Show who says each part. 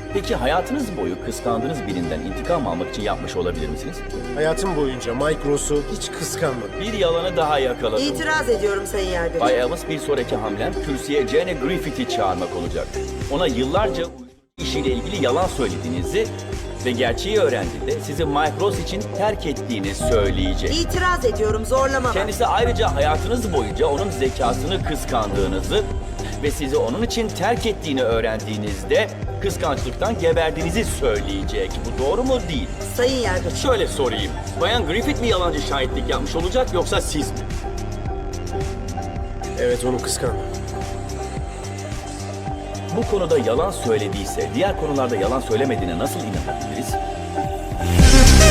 Speaker 1: Peki hayatınız boyu kıskandığınız birinden intikam almak için yapmış olabilir misiniz?
Speaker 2: Hayatım boyunca Mike Ross'u hiç kıskanmadım.
Speaker 1: Bir yalanı daha yakaladım.
Speaker 3: İtiraz ediyorum Sayın Yargıç.
Speaker 1: Bay Evans, bir sonraki hamlem kürsüye Jane Griffith'i çağırmak olacak. Ona yıllarca işiyle ilgili yalan söylediğinizi ve gerçeği öğrendiğinde sizi Mike Ross için terk ettiğini söyleyecek.
Speaker 3: İtiraz ediyorum, zorlama var.
Speaker 1: Kendisi ayrıca hayatınız boyunca onun zekasını kıskandığınızı ve sizi onun için terk ettiğini öğrendiğinizde kıskançlıktan geberdiğinizi söyleyecek. Bu doğru mu değil?
Speaker 3: Sayın Yargıç,
Speaker 1: Şöyle sorayım. Bayan Griffith mi yalancı şahitlik yapmış olacak yoksa siz mi?
Speaker 2: Evet, onu kıskandım.
Speaker 1: Bu konuda yalan söylediyse diğer konularda yalan söylemediğine nasıl inanabiliriz?